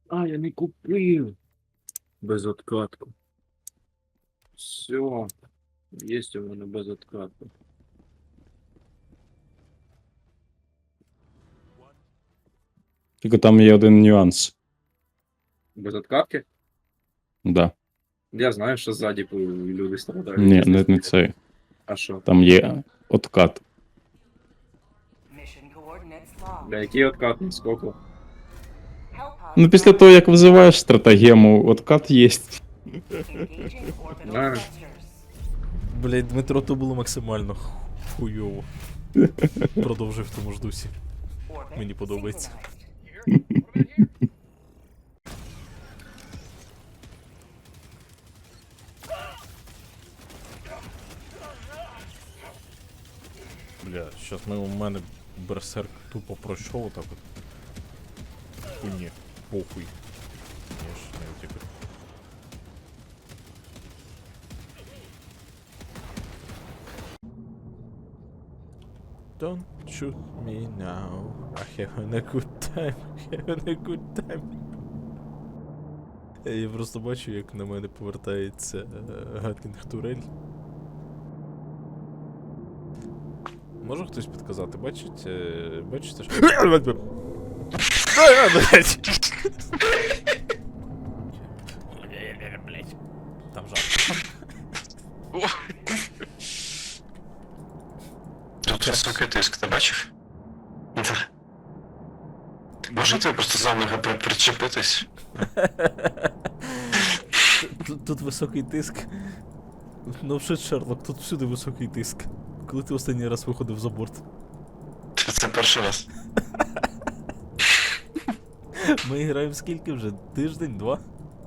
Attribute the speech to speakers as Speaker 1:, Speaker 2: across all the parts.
Speaker 1: А, я не купив. Безоткатку. Все. Есть у мене безоткатка.
Speaker 2: Тільки там є один нюанс.
Speaker 1: Безоткатки?
Speaker 2: Да.
Speaker 1: Я знаю, що ззаді люди страдають.
Speaker 2: Ні,
Speaker 1: якщо
Speaker 2: не це.
Speaker 1: А що?
Speaker 2: Там є откат.
Speaker 1: Для який откат? Сколько?
Speaker 2: Ну, після того, як визиваєш стратегему, откат є.
Speaker 1: Да.
Speaker 3: Блять, Дмитро, то було максимально хуйово. Продовжуй в тому ж дусі. Мені подобається. Бля, щас у мене берсерк тупо пройшов отак от. Хуйні, похуй. Я ж не втікаю. Don't shoot me now. I having a good time. Having a good time. Я просто бачу, як на мене повертається Гаткінг Турель. Може хтось підказати? Бачите, що... Блять. Там жарко.
Speaker 4: Тут високий тиск, ти бачив? Да. Ти можете просто за ноги причепитись?
Speaker 3: Тут високий тиск. Ну вже Шерлок, тут всюди високий тиск. Коли ти останній раз виходив за борт?
Speaker 4: Це перший раз.
Speaker 3: Ми граємо скільки вже? Тиждень, два?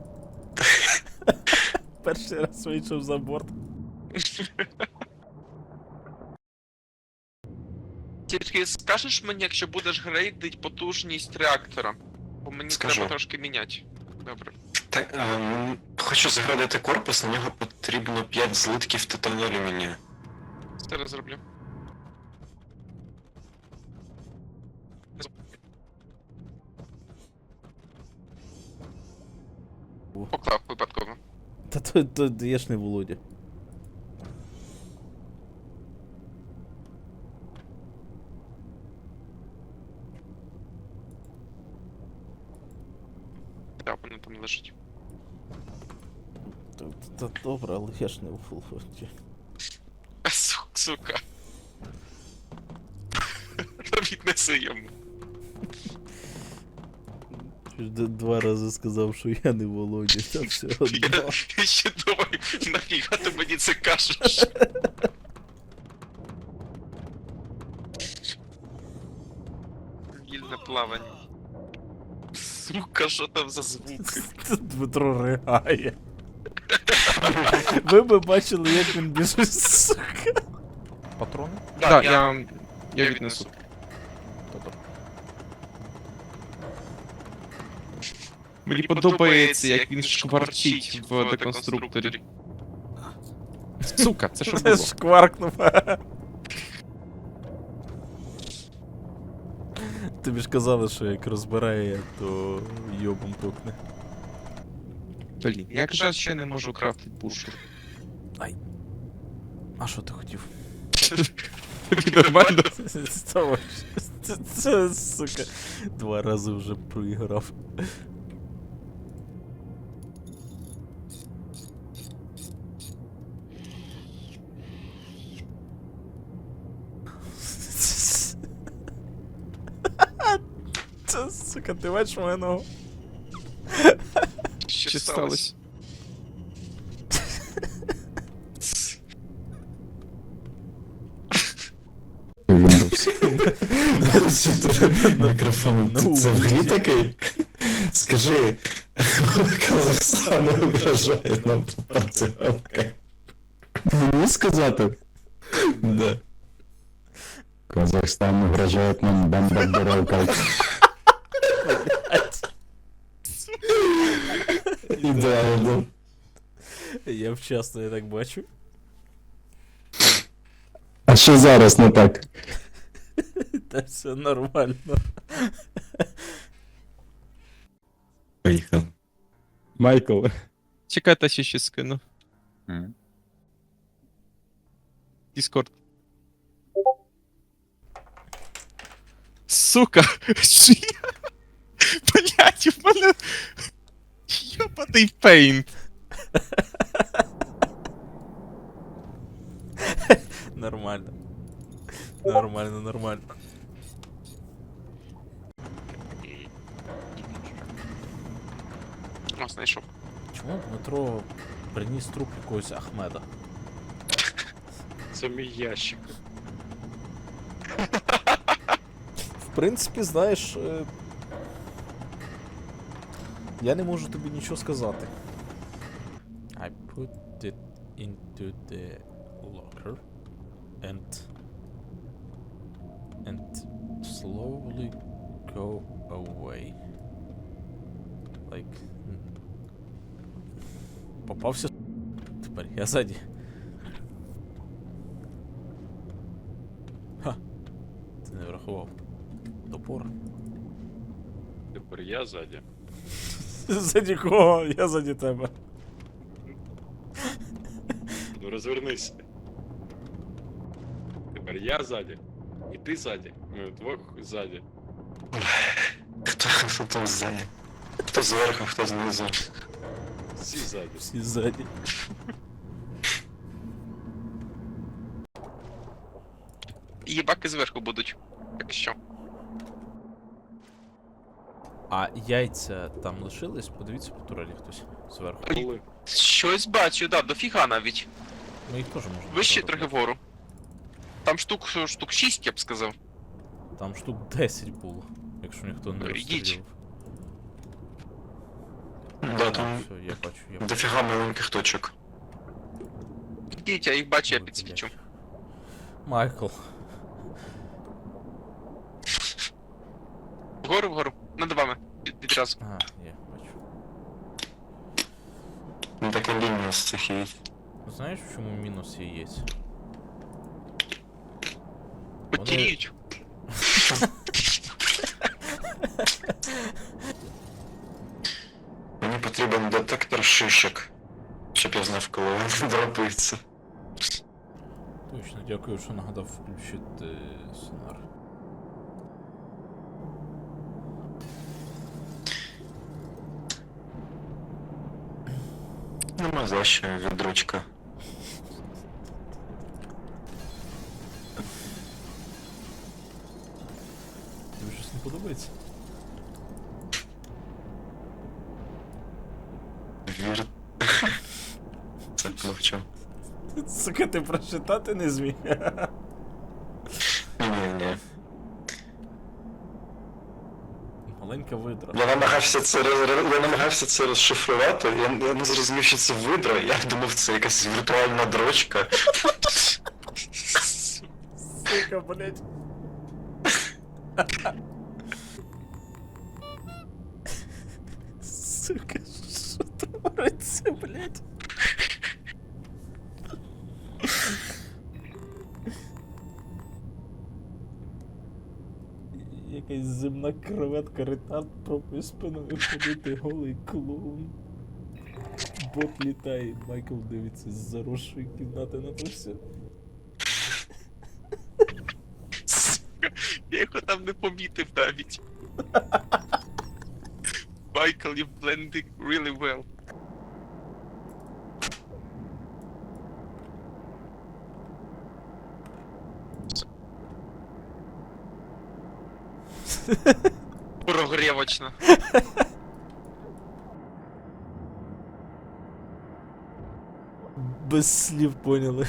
Speaker 3: Перший раз вийшов за борт.
Speaker 5: Тільки скажеш мені, якщо будеш грейдить потужність реактора? Бо мені
Speaker 4: Скажу.
Speaker 5: треба трошки міняти. Добре.
Speaker 4: Так, хочу заградити корпус, на нього потрібно 5 злитків титану алюмінію.
Speaker 5: Зараз зроблю. Поклав випадково.
Speaker 3: Та то я ж не Володя.
Speaker 5: Так, воно там лежить.
Speaker 3: Та добре, але я ж не Володя.
Speaker 5: Сука. Віднеси йому.
Speaker 3: Два рази сказав, що я не Володя, та все одно.
Speaker 5: Я ще думаю, нафіга ти мені це кажеш? Вільне плавання. Сука, що там за звуки?
Speaker 3: Дмитро ригає. Ви б бачили, як він біжить, сука. Патрони?
Speaker 5: Так, я віднесу.
Speaker 6: Мені подобається, як він шкварчить в деконструкторі. Сука, це що
Speaker 3: Це
Speaker 6: було?
Speaker 3: шкваркнув. Тобі ж казали, що як розбирає, то йобом токне.
Speaker 6: Блін, як жаль, ще не можу крафтити пушку.
Speaker 3: А що ти хотів?
Speaker 6: Тобі нормально?
Speaker 3: Це, сука, два рази вже проіграв. Це, сука, ти бачиш мою ногу?
Speaker 6: Що сталося?
Speaker 4: Мікрофон, це в грі такий? Скажи, Казахстан угрожає нам працювати.
Speaker 2: Мені сказати?
Speaker 4: Да.
Speaker 2: Казахстан угрожає нам бомбардировкой.
Speaker 4: Ідеально.
Speaker 3: Я вчасно, я так бачу.
Speaker 2: А що зараз не так?
Speaker 3: Та все нормально.
Speaker 4: Поїхав.
Speaker 2: Майкл.
Speaker 6: Чекайте, ще скину. Дискорд. Сука! Що я? Блять, в мене... Йобаний пейнт.
Speaker 3: Нормально. Нормально, нормально.
Speaker 5: О, знайшов.
Speaker 3: Чому Дмитро приніс труп якогось Ахмеда?
Speaker 1: Це мій ящик.
Speaker 3: В принципі, знаєш, я не можу тобі нічого сказати. I put it into the locker and slowly go away. Like... Попався. Тепер я ззаді. Ха. Ти не врахував. Топор.
Speaker 1: Тепер я ззаді.
Speaker 3: Ззаді кого? Я ззаді тебе.
Speaker 1: Ну розвернися. Тепер я ззаді. І ти ззаді. Ми вдвох ззаді.
Speaker 4: Хто там ззаді? Хто зверху, хто знизу.
Speaker 1: Всі ззаді.
Speaker 3: Всі ззаді.
Speaker 5: Їбаки зверху будуть. Якщо.
Speaker 3: А яйця там лишились? Подивіться по турелі хтось зверху.
Speaker 1: Коли?
Speaker 5: Щось бачу, да, дофіга навіть.
Speaker 3: Ми їх теж можемо.
Speaker 5: Вище
Speaker 3: забрати.
Speaker 5: трохи вгору. Там штук 6, я б сказав.
Speaker 3: Там штук 10 було, якщо ніхто не
Speaker 5: Ідіть.
Speaker 3: розстрілював.
Speaker 4: Да, там
Speaker 3: Все, я бачу.
Speaker 4: дофіга маленьких точок.
Speaker 5: Ідіть, я їх бачу, я
Speaker 3: Ой,
Speaker 5: підсвічу.
Speaker 3: блядь. Майкл.
Speaker 5: Вгору, над вами. Відразу.
Speaker 3: А, є, бачу.
Speaker 4: Ну така лінія з цих яєць.
Speaker 3: Знаєш, в чому мінус яєць?
Speaker 5: Потіріють.
Speaker 4: Мені потрібен детектор шишок, щоб я знав, коли він дропається.
Speaker 3: Точно, дякую, що нагадав включити сонар.
Speaker 4: Нема за що, відручка.
Speaker 3: Тобі щось не подобається?
Speaker 4: Вір. Це мовчу.
Speaker 3: Сука, ти прочитати не зміг.
Speaker 4: Ні.
Speaker 3: Маленька видра.
Speaker 4: Я намагався це розшифрувати, я не зрозумів, що це видра, я думав, це якась віртуальна дрочка.
Speaker 3: Сука, блять. Сука, що твориться, блять? Якась земна креветка, ретард пробує спиною ходити, голий клоун. Бот літає, Майкл дивиться з заросшої кімнати на то все.
Speaker 5: Я його там не помітив навіть. Michael, you blending really well. Прогрівочно.
Speaker 3: Без слів поняли.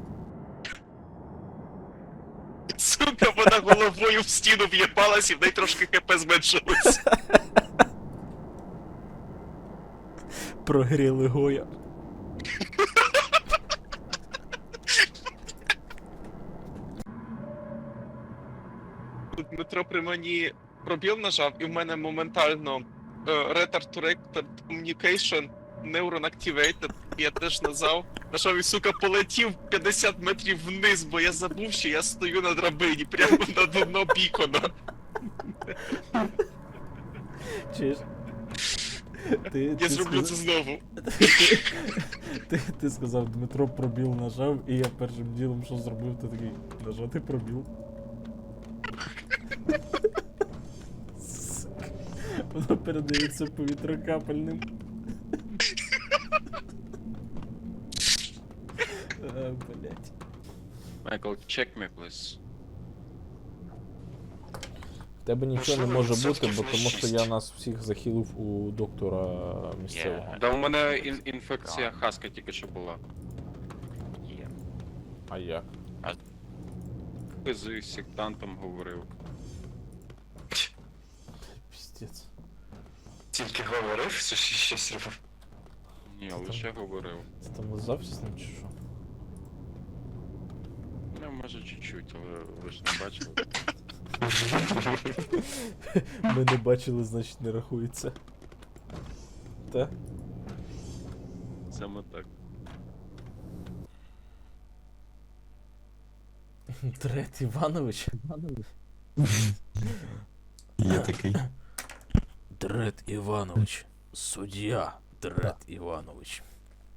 Speaker 5: Сука, вона головою в стіну в'єбалась і в неї трошки ХП зменшилось.
Speaker 3: Прогріли Гоя.
Speaker 5: Тут Дмитро при мені пробіл нажав, і в мене моментально Retard to Retard Communication Neuron Activated. Я теж нажав, і, сука, полетів 50 метрів вниз, бо я забув, що я стою на драбині, прямо на дно бікона.
Speaker 3: Чуєш?
Speaker 5: Я зроблю це знову.
Speaker 3: Ти сказав, Дмитро пробіл нажав, і я першим ділом, що зробив, ти такий, нажати пробіл. Сука. Воно передається повітрокапельним. Блять.
Speaker 2: Michael, check me, please.
Speaker 3: В тебе нічого не
Speaker 4: Можливо,
Speaker 3: може бути,
Speaker 4: відсотків
Speaker 3: бо
Speaker 4: на
Speaker 3: тому що
Speaker 4: 6.
Speaker 3: я нас всіх захилив у доктора місцевого.
Speaker 2: Да у мене інфекція хаска тільки що була.
Speaker 3: А як?
Speaker 2: З сектантом говорив.
Speaker 3: Піздець.
Speaker 4: Тільки говорив, що ще щось робив.
Speaker 2: Ні, лише говорив.
Speaker 3: Ти там лизався з ним чи що?
Speaker 2: Ну, може чуть-чуть, але ви ж не бачили.
Speaker 3: Ми не бачили, значить не рахується. Та?
Speaker 2: Саме так.
Speaker 3: Дред Іванович?
Speaker 7: Є такий.
Speaker 3: Дред Іванович. Суддя Дред Іванович.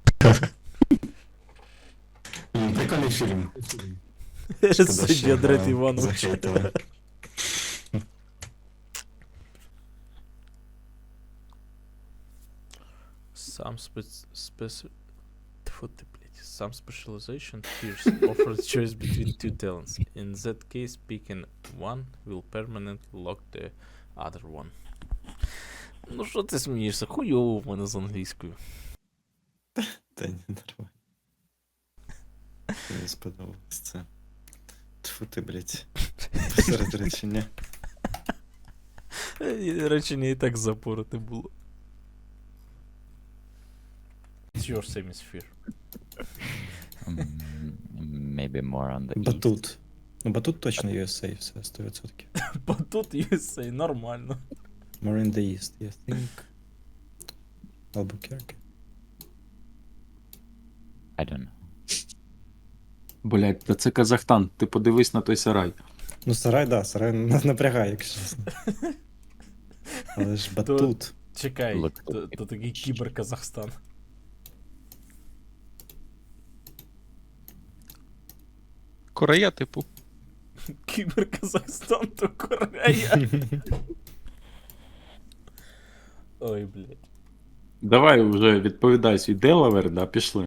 Speaker 7: Прикольний фільм. Шкода, що
Speaker 3: Суддя
Speaker 7: його
Speaker 3: Дред Іванович.
Speaker 7: захейтили.
Speaker 3: Some Тьфу ти, блядь. Some specialization tiers offers choice between two talents. In that case, picking one will permanently lock the other one. Ну що ти смієшся? Хуйово в мене з англійською.
Speaker 7: Та ні, нормально. Мені сподобалось це. Тьфу ти, блядь. Посеред речення.
Speaker 3: Речення і так запороте було. It's your same as fear.
Speaker 8: Maybe more on the east.
Speaker 7: Батут. Ну, батут точно USA, все, 100%.
Speaker 3: Бо тут USA нормально.
Speaker 7: More in the east, I think. Albuquerque.
Speaker 8: I don't know.
Speaker 2: Блять, та це Казахстан, ти подивись на той сарай.
Speaker 7: Ну, сарай, да, сарай напрягає, якщо чесно. Але ж батут.
Speaker 3: Чекай,
Speaker 8: Look.
Speaker 3: то такий кібер Казахстан.
Speaker 6: Корея, типу.
Speaker 3: Кібер Казахстан, то Корея. Ой, блядь.
Speaker 2: Давай вже відповідай свій Делавер, да, пішли.